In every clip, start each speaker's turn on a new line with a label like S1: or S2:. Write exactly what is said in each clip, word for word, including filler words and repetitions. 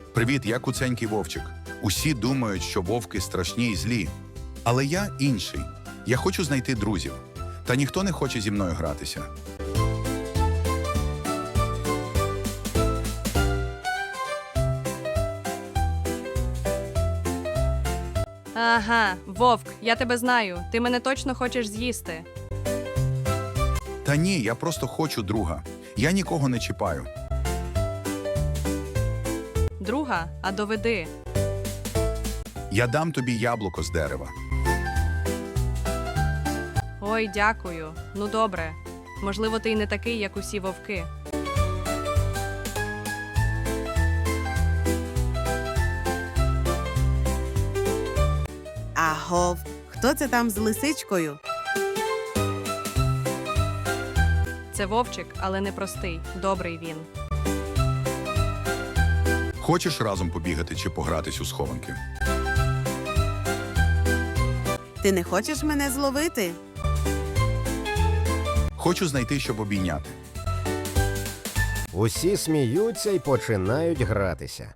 S1: Привіт, я куценький вовчик. Усі думають, що вовки страшні і злі. Але я інший. Я хочу знайти друзів. Та ніхто не хоче зі мною гратися.
S2: Ага, вовк, я тебе знаю. Ти мене точно хочеш з'їсти.
S1: Та ні, я просто хочу друга. Я нікого не чіпаю.
S2: Друга, а доведи.
S1: Я дам тобі яблуко з дерева.
S2: Ой, дякую. Ну добре. Можливо, ти й не такий, як усі вовки.
S3: Агов, хто це там з лисичкою?
S2: Це вовчик, але не простий. Добрий він.
S1: Хочеш разом побігати чи погратись у схованки?
S3: Ти не хочеш мене зловити?
S1: Хочу знайти, щоб обійняти.
S4: Усі сміються і починають гратися.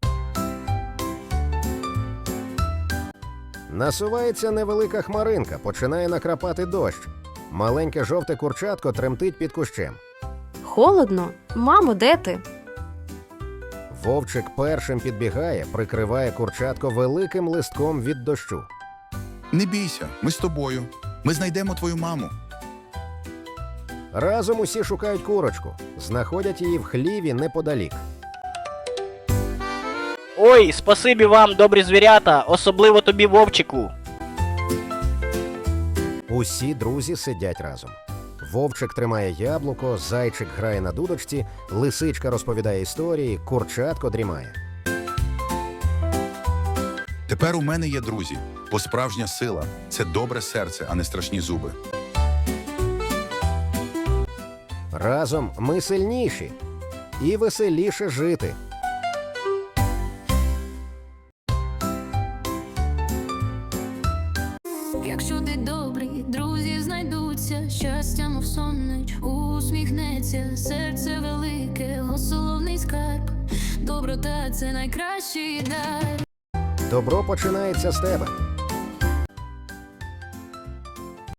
S4: Насувається невелика хмаринка, починає накрапати дощ. Маленьке жовте курчатко тремтить під кущем.
S5: Холодно? Мамо, де ти?
S4: Вовчик першим підбігає, прикриває курчатко великим листком від дощу.
S1: Не бійся, ми з тобою. Ми знайдемо твою маму.
S4: Разом усі шукають курочку. Знаходять її в хліві неподалік.
S6: Ой, спасибі вам, добрі звірята, особливо тобі, вовчику.
S4: Усі друзі сидять разом. Вовчик тримає яблуко, зайчик грає на дудочці, лисичка розповідає історії, курчатко дрімає.
S1: Тепер у мене є друзі. Бо справжня сила – це добре серце, а не страшні зуби.
S4: Разом ми сильніші і веселіше жити.
S7: Якщо ти добрий, друзі знайдуться, щастя, мов соннич, усміхнеться, серце велике, соловний скарб, доброта – це найкращий дар.
S4: Добро починається з тебе.